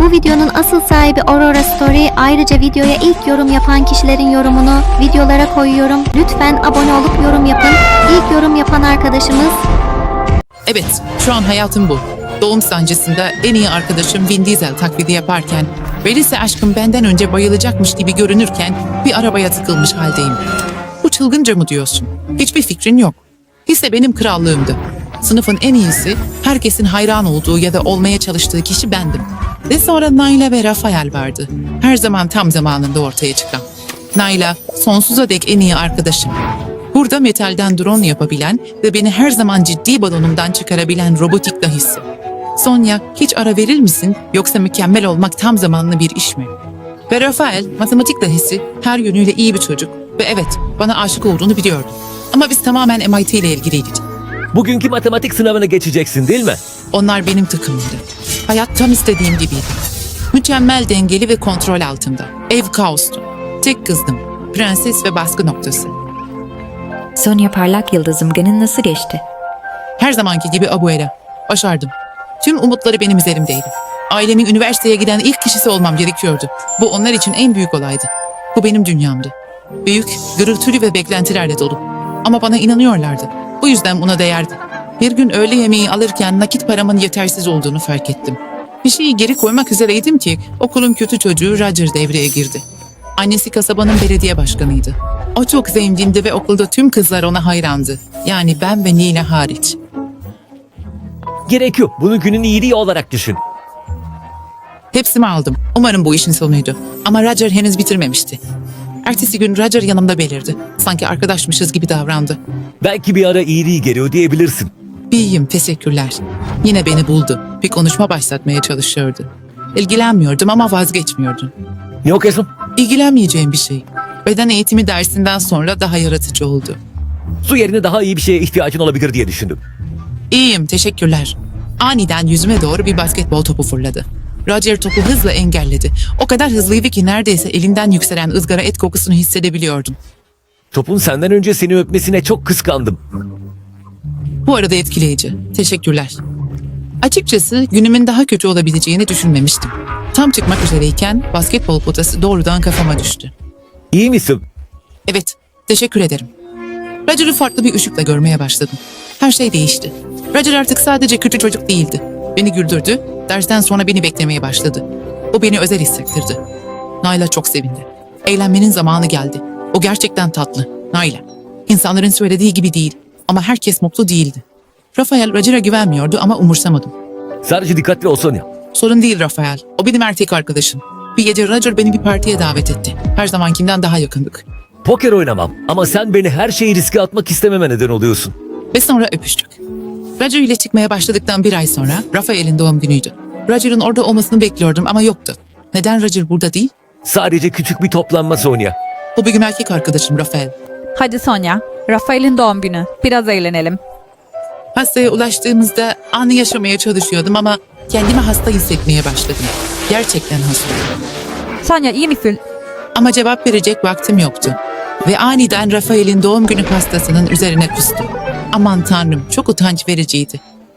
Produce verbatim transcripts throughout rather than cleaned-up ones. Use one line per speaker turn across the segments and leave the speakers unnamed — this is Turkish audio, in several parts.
Bu videonun asıl sahibi Aurora Story. Ayrıca videoya ilk yorum yapan kişilerin yorumunu videolara koyuyorum. Lütfen abone olup yorum yapın. İlk yorum yapan arkadaşımız...
Evet, şu an hayatım bu. Doğum sancısında en iyi arkadaşım Vin Diesel taklidi yaparken ve lise aşkım benden önce bayılacakmış gibi görünürken bir arabaya tıkılmış haldeyim. Bu çılgınca mı diyorsun? Hiçbir fikrin yok. Lise benim krallığımdı. Sınıfın en iyisi, herkesin hayran olduğu ya da olmaya çalıştığı kişi bendim. Ve sonra Naila ve Rafael vardı. Her zaman tam zamanında ortaya çıkan. Naila, sonsuza dek en iyi arkadaşım. Burada metalden drone yapabilen ve beni her zaman ciddi balonumdan çıkarabilen robotik dahisi. Sonya, hiç ara verir misin yoksa mükemmel olmak tam zamanlı bir iş mi? Ve Rafael, matematik dahisi, her yönüyle iyi bir çocuk ve evet, bana aşık olduğunu biliyordum. Ama biz tamamen M I T ile ilgiliydik.
Bugünkü matematik sınavına geçeceksin değil mi?
Onlar benim takımımdı. Hayat tam istediğim gibiydi. Mükemmel dengeli ve kontrol altında. Ev kaostu. Tek kızdım. Prenses ve baskı noktası.
Sonya parlak yıldızım, günün nasıl geçti?
Her zamanki gibi Abuela. Başardım. Tüm umutları benim üzerimdeydi. Ailemin üniversiteye giden ilk kişisi olmam gerekiyordu. Bu onlar için en büyük olaydı. Bu benim dünyamdı. Büyük, gürültülü ve beklentilerle dolu. Ama bana inanıyorlardı. Bu yüzden buna değerdi. Bir gün öğle yemeği alırken nakit paramın yetersiz olduğunu fark ettim. Bir şeyi geri koymak üzereydim ki okulun kötü çocuğu Roger devreye girdi. Annesi kasabanın belediye başkanıydı. O çok zengindi ve okulda tüm kızlar ona hayrandı. Yani ben ve Nina hariç.
Gerek yok. Bunu günün iyiliği olarak düşün.
Hepsini aldım. Umarım bu işin sonuydu. Ama Roger henüz bitirmemişti. Ertesi gün Roger yanımda belirdi. Sanki arkadaşmışız gibi davrandı.
Belki bir ara iyiliği geri ödeyebilirsin.
İyiyim, teşekkürler. Yine beni buldu. Bir konuşma başlatmaya çalışıyordu. İlgilenmiyordum ama vazgeçmiyordum.
Ne okuyorsun?
İlgilenmeyeceğim bir şey. Beden eğitimi dersinden sonra daha yaratıcı oldu.
Su yerine daha iyi bir şeye ihtiyacın olabilir diye düşündüm.
İyiyim, teşekkürler. Aniden yüzüme doğru bir basketbol topu fırladı. Roger topu hızla engelledi. O kadar hızlıydı ki neredeyse elinden yükselen ızgara et kokusunu hissedebiliyordum.
Topun senden önce seni öpmesine çok kıskandım.
Bu arada etkileyici. Teşekkürler. Açıkçası günümün daha kötü olabileceğini düşünmemiştim. Tam çıkmak üzereyken basketbol potası doğrudan kafama düştü.
İyi misin?
Evet, teşekkür ederim. Roger'ı farklı bir ışıkla görmeye başladım. Her şey değişti. Roger artık sadece kötü çocuk değildi. Beni güldürdü, dersten sonra beni beklemeye başladı. O beni özel hissettirdi. Naila çok sevindi. Eğlenmenin zamanı geldi. O gerçekten tatlı. Naila. İnsanların söylediği gibi değil ama herkes mutlu değildi. Rafael Roger'a güvenmiyordu ama umursamadım.
Sadece dikkatli ol Sonya.
Sorun değil Rafael. O benim erkek arkadaşım. Bir gece Roger beni bir partiye davet etti. Her zamankinden daha yakındık.
Poker oynamam ama sen beni her şeyi riske atmak istememe neden oluyorsun.
Ve sonra öpüştük. Roger ile çıkmaya başladıktan bir ay sonra Rafael'in doğum günüydü. Roger'ın orada olmasını bekliyordum ama yoktu. Neden Roger burada değil?
Sadece küçük bir toplanma Sonya.
O benim erkek arkadaşım Rafael.
Hadi Sonya, Rafael'in doğum günü. Biraz eğlenelim.
Hastaya ulaştığımızda anı yaşamaya çalışıyordum ama kendimi hasta hissetmeye başladım. Gerçekten hastayım.
Sonya iyi misin?
Ama cevap verecek vaktim yoktu. Ve aniden Rafael'in doğum günü pastasının üzerine kustum. Aman tanrım, çok utanç vericiydi.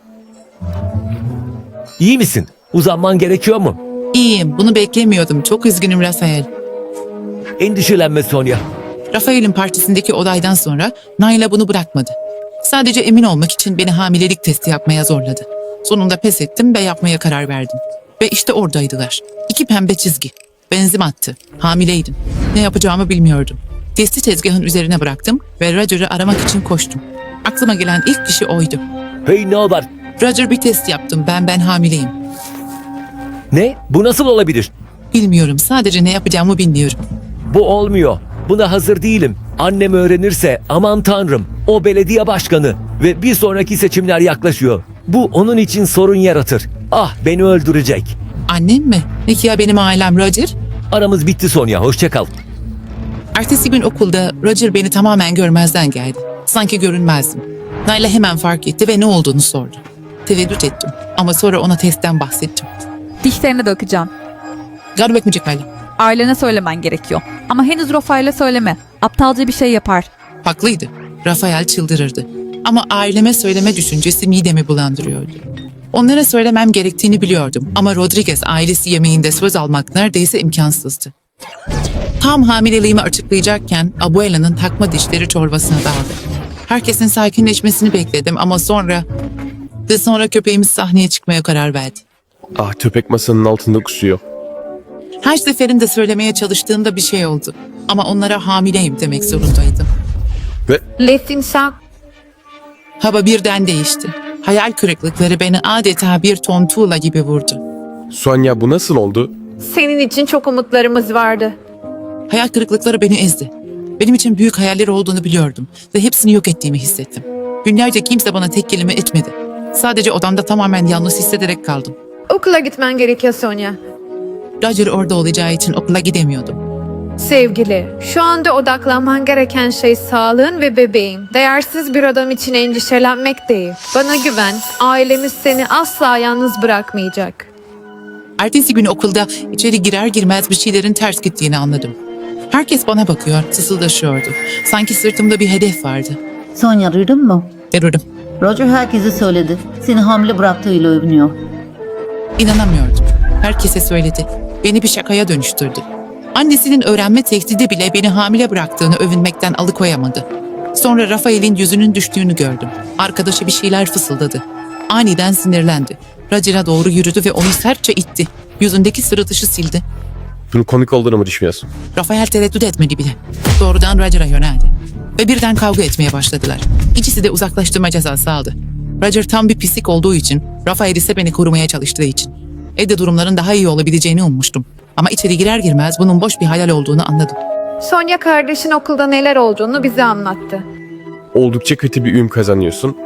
İyi misin? Uzanman gerekiyor mu?
İyiyim, bunu beklemiyordum. Çok üzgünüm Rafael.
Endişelenme Sonya.
Rafael'in partisindeki olaydan sonra Naila bunu bırakmadı. Sadece emin olmak için beni hamilelik testi yapmaya zorladı. Sonunda pes ettim ve yapmaya karar verdim. Ve işte oradaydılar. İki pembe çizgi. Benzim attı. Hamileydim. Ne yapacağımı bilmiyordum. Testi tezgahın üzerine bıraktım ve Roger'ı aramak için koştum. Aklıma gelen ilk kişi oydu.
Hey ne haber?
Roger, bir test yaptım. Ben ben hamileyim.
Ne? Bu nasıl olabilir?
Bilmiyorum. Sadece ne yapacağımı bilmiyorum.
Bu olmuyor. Buna hazır değilim. Annem öğrenirse aman tanrım. O belediye başkanı ve bir sonraki seçimler yaklaşıyor. Bu onun için sorun yaratır. Ah beni öldürecek.
Annem mi? Peki ya benim ailem Roger?
Aramız bitti Sonya. Hoşça kal.
Ertesi gün okulda Roger beni tamamen görmezden geldi. Sanki görünmezdim. Naila hemen fark etti ve ne olduğunu sordu. Tereddüt ettim ama sonra ona testten bahsettim.
Dişlerine dökeceğim.
Yardım etmeyecek Naila.
Ailene söylemen gerekiyor. Ama henüz Rafael'e söyleme. Aptalca bir şey yapar.
Haklıydı. Rafael çıldırırdı. Ama aileme söyleme düşüncesi midemi bulandırıyordu. Onlara söylemem gerektiğini biliyordum ama Rodriguez ailesi yemeğinde söz almak neredeyse imkansızdı. Tam hamileliğimi açıklayacakken Abuela'nın takma dişleri çorbasına daldı. Herkesin sakinleşmesini bekledim ama sonra... Ve sonra köpeğimiz sahneye çıkmaya karar verdi.
Ah, köpek masanın altında kusuyor.
Her seferinde söylemeye çalıştığımda bir şey oldu. Ama onlara hamileyim demek zorundaydım.
Ve
Lifting shock.
Hava birden değişti. Hayal kırıklıkları beni adeta bir ton tuğla gibi vurdu.
Sonya, bu nasıl oldu?
Senin için çok umutlarımız vardı.
Hayal kırıklıkları beni ezdi. Benim için büyük hayaller olduğunu biliyordum ve hepsini yok ettiğimi hissettim. Günlerce kimse bana tek kelime etmedi. Sadece odamda tamamen yalnız hissederek kaldım.
Okula gitmen gerekiyor Sonya.
Roger orada olacağı için okula gidemiyordum.
Sevgili, şu anda odaklanman gereken şey sağlığın ve bebeğin. Değersiz bir adam için endişelenmek değil. Bana güven, ailemiz seni asla yalnız bırakmayacak.
Ertesi gün okulda içeri girer girmez bir şeylerin ters gittiğini anladım. Herkes bana bakıyor, sısıldaşıyordu. Sanki sırtımda bir hedef vardı.
Sonya, duydun mu?
Erörüm.
Roger herkese söyledi. Seni hamile bıraktığıyla övünüyor.
İnanamıyordum. Herkese söyledi. Beni bir şakaya dönüştürdü. Annesinin öğrenme tehdidi bile beni hamile bıraktığını övünmekten alıkoyamadı. Sonra Rafael'in yüzünün düştüğünü gördüm. Arkadaşı bir şeyler fısıldadı. Aniden sinirlendi. Roger'a doğru yürüdü ve onu sertçe itti. Yüzündeki sırıtışı sildi.
Bunun komik olduğunu mu düşünüyorsun?
Rafael tereddüt etmedi bile. Doğrudan Roger'a yöneldi. Ve birden kavga etmeye başladılar. İkisi de uzaklaştırma cezası aldı. Roger tam bir pislik olduğu için, Rafael ise beni korumaya çalıştığı için. Evde durumların daha iyi olabileceğini ummuştum. Ama içeri girer girmez bunun boş bir hayal olduğunu anladım.
Sonya kardeşin okulda neler olduğunu bize anlattı.
Oldukça kötü bir üm kazanıyorsun.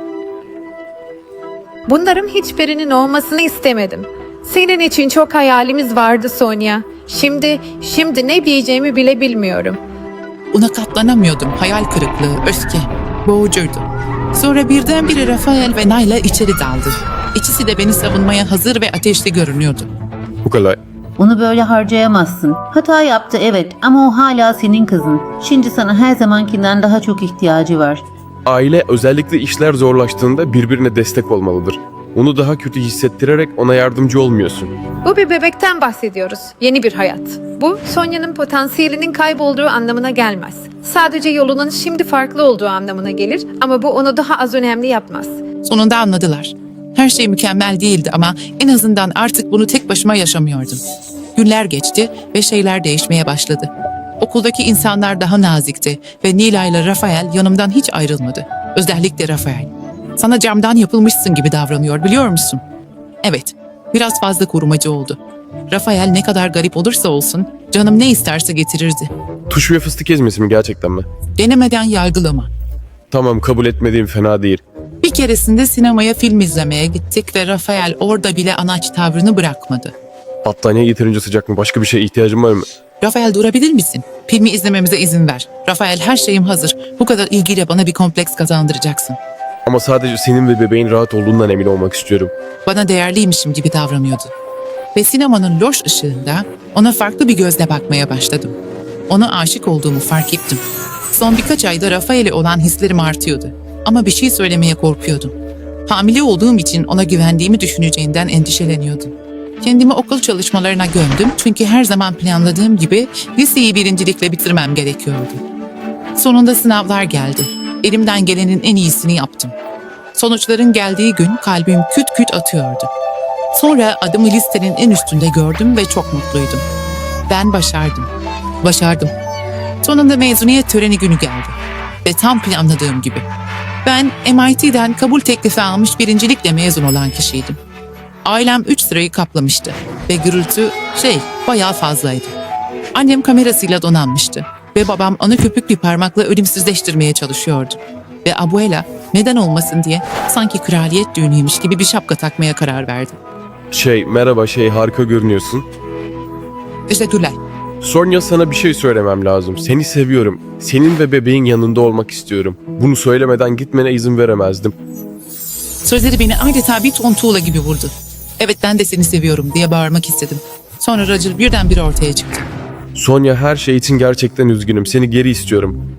Bunların hiçbirinin olmasını istemedim. Senin için çok hayalimiz vardı Sonya. Şimdi, şimdi ne diyeceğimi bile bilmiyorum.
Ona katlanamıyordum. Hayal kırıklığı, öfke, boğucuydu. Sonra birdenbire Rafael ve Nayla içeri daldı. İkisi de beni savunmaya hazır ve ateşli görünüyordu.
Bu kadar.
Onu böyle harcayamazsın. Hata yaptı evet ama o hala senin kızın. Şimdi sana her zamankinden daha çok ihtiyacı var.
Aile özellikle işler zorlaştığında birbirine destek olmalıdır. Onu daha kötü hissettirerek ona yardımcı olmuyorsun.
Bu bir bebekten bahsediyoruz. Yeni bir hayat. Bu, Sonya'nın potansiyelinin kaybolduğu anlamına gelmez. Sadece yolunun şimdi farklı olduğu anlamına gelir ama bu onu daha az önemli yapmaz.
Sonunda anladılar. Her şey mükemmel değildi ama en azından artık bunu tek başıma yaşamıyordum. Günler geçti ve şeyler değişmeye başladı. Okuldaki insanlar daha nazikti ve Nila ile Rafael yanımdan hiç ayrılmadı. Özellikle Rafael. Sana camdan yapılmışsın gibi davranıyor biliyor musun? Evet, biraz fazla korumacı oldu. Rafael ne kadar garip olursa olsun canım ne isterse getirirdi.
Tuş ve fıstık ezmesi mi gerçekten mi?
Denemeden yargılama.
Tamam, kabul etmediğim fena değil.
Bir keresinde sinemaya film izlemeye gittik ve Rafael orada bile anaç tavrını bırakmadı.
Battaniye yeterince sıcak mı? Başka bir şeye ihtiyacın var mı?
Rafael durabilir misin? Filmi izlememize izin ver. Rafael her şeyim hazır. Bu kadar ilgiyle bana bir kompleks kazandıracaksın.
Ama sadece senin ve bebeğin rahat olduğundan emin olmak istiyorum.
Bana değerliymişim gibi davranıyordu. Ve sinemanın loş ışığında ona farklı bir gözle bakmaya başladım. Ona aşık olduğumu fark ettim. Son birkaç ayda Rafael'e olan hislerim artıyordu. Ama bir şey söylemeye korkuyordum. Hamile olduğum için ona güvendiğimi düşüneceğinden endişeleniyordum. Kendimi okul çalışmalarına gömdüm çünkü her zaman planladığım gibi liseyi birincilikle bitirmem gerekiyordu. Sonunda sınavlar geldi. Elimden gelenin en iyisini yaptım. Sonuçların geldiği gün kalbim küt küt atıyordu. Sonra adımı listenin en üstünde gördüm ve çok mutluydum. Ben başardım. Başardım. Sonunda mezuniyet töreni günü geldi. Ve tam planladığım gibi. Ben M I T'den kabul teklifi almış birincilikle mezun olan kişiydim. Ailem üç sırayı kaplamıştı ve gürültü şey bayağı fazlaydı. Annem kamerasıyla donanmıştı ve babam onu köpük bir parmakla ölümsüzleştirmeye çalışıyordu. Ve abuela neden olmasın diye sanki kraliyet düğünüymüş gibi bir şapka takmaya karar verdi.
Şey, merhaba şey, harika görünüyorsun.
Teşekkürler.
Sonya, sana bir şey söylemem lazım. Seni seviyorum. Senin ve bebeğin yanında olmak istiyorum. Bunu söylemeden gitmene izin veremezdim.
Sözleri beni adeta bir ton tuğla gibi vurdu. Evet ben de seni seviyorum diye bağırmak istedim. Sonra Roger birdenbire ortaya çıktı.
Sonya, her şey için gerçekten üzgünüm. Seni geri istiyorum.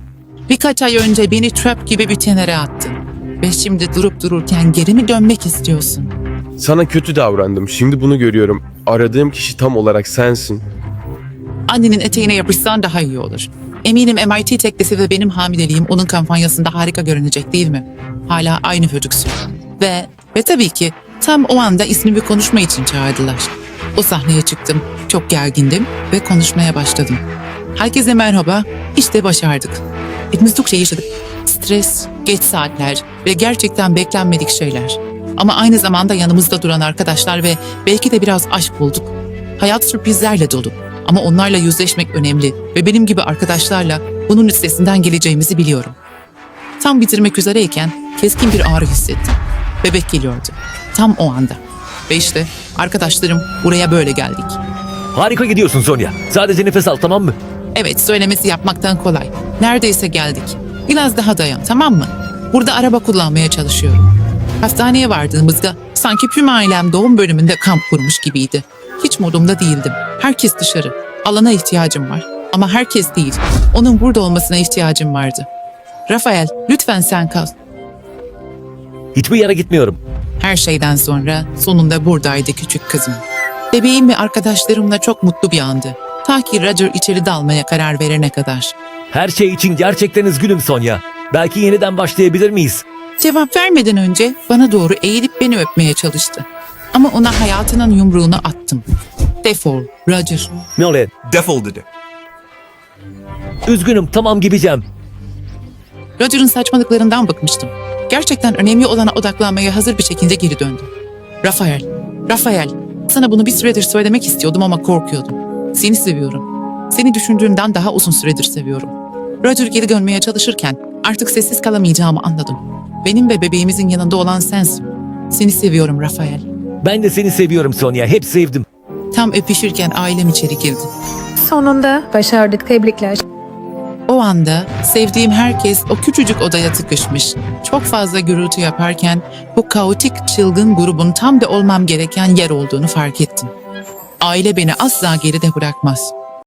Birkaç ay önce beni trap gibi bir tenere attın. Ve şimdi durup dururken geri mi dönmek istiyorsun?
Sana kötü davrandım. Şimdi bunu görüyorum. Aradığım kişi tam olarak sensin.
Annenin eteğine yapışsan daha iyi olur. Eminim M I T teknesi ve benim hamileliğim onun kampanyasında harika görünecek değil mi? Hala aynı çocuksun. Ve, ve tabii ki tam o anda ismimi konuşma için çağırdılar. O sahneye çıktım, çok gergindim ve konuşmaya başladım. Herkese merhaba, işte başardık. Hepimiz çok şey yaşadık. Stres, geç saatler ve gerçekten beklenmedik şeyler. Ama aynı zamanda yanımızda duran arkadaşlar ve belki de biraz aşk bulduk. Hayat sürprizlerle dolu. Ama onlarla yüzleşmek önemli ve benim gibi arkadaşlarla bunun üstesinden geleceğimizi biliyorum. Tam bitirmek üzereyken keskin bir ağrı hissettim. Bebek geliyordu. Tam o anda. Ve işte arkadaşlarım buraya böyle geldik.
Harika gidiyorsun Sonya. Sadece nefes al, tamam mı?
Evet, söylemesi yapmaktan kolay. Neredeyse geldik. Biraz daha dayan, tamam mı? Burada araba kullanmaya çalışıyorum. Hastaneye vardığımızda sanki tüm ailem doğum bölümünde kamp kurmuş gibiydi. Hiç modumda değildim. Herkes dışarı. Alana ihtiyacım var. Ama herkes değil. Onun burada olmasına ihtiyacım vardı. Rafael, lütfen sen kal.
Hiçbir yere gitmiyorum.
Her şeyden sonra sonunda buradaydı küçük kızım. Bebeğim ve arkadaşlarımla çok mutlu bir andı. Ta ki Roger içeri dalmaya karar verene kadar.
Her şey için gerçekten üzgünüm Sonya. Belki yeniden başlayabilir miyiz?
Cevap vermeden önce bana doğru eğilip beni öpmeye çalıştı. Ama ona hayatının yumruğunu attım. Defol, Roger.
Nolan,
Defol dedi.
üzgünüm, tamam gideceğim.
Roger'ın saçmalıklarından bıkmıştım. Gerçekten önemli olana odaklanmaya hazır bir şekilde geri döndüm. Rafael, Rafael, sana bunu bir süredir söylemek istiyordum ama korkuyordum. Seni seviyorum. Seni düşündüğümden daha uzun süredir seviyorum. Roger geri dönmeye çalışırken artık sessiz kalamayacağımı anladım. Benim ve bebeğimizin yanında olan sensin. Seni seviyorum Rafael.
Ben de seni seviyorum Sonya, hep sevdim.
Tam öpüşürken ailem içeri girdi.
Sonunda başardık, tebrikler.
O anda sevdiğim herkes o küçücük odaya tıkışmış. Çok fazla gürültü yaparken bu kaotik çılgın grubun tam da olmam gereken yer olduğunu fark ettim. Aile beni asla geride bırakmaz.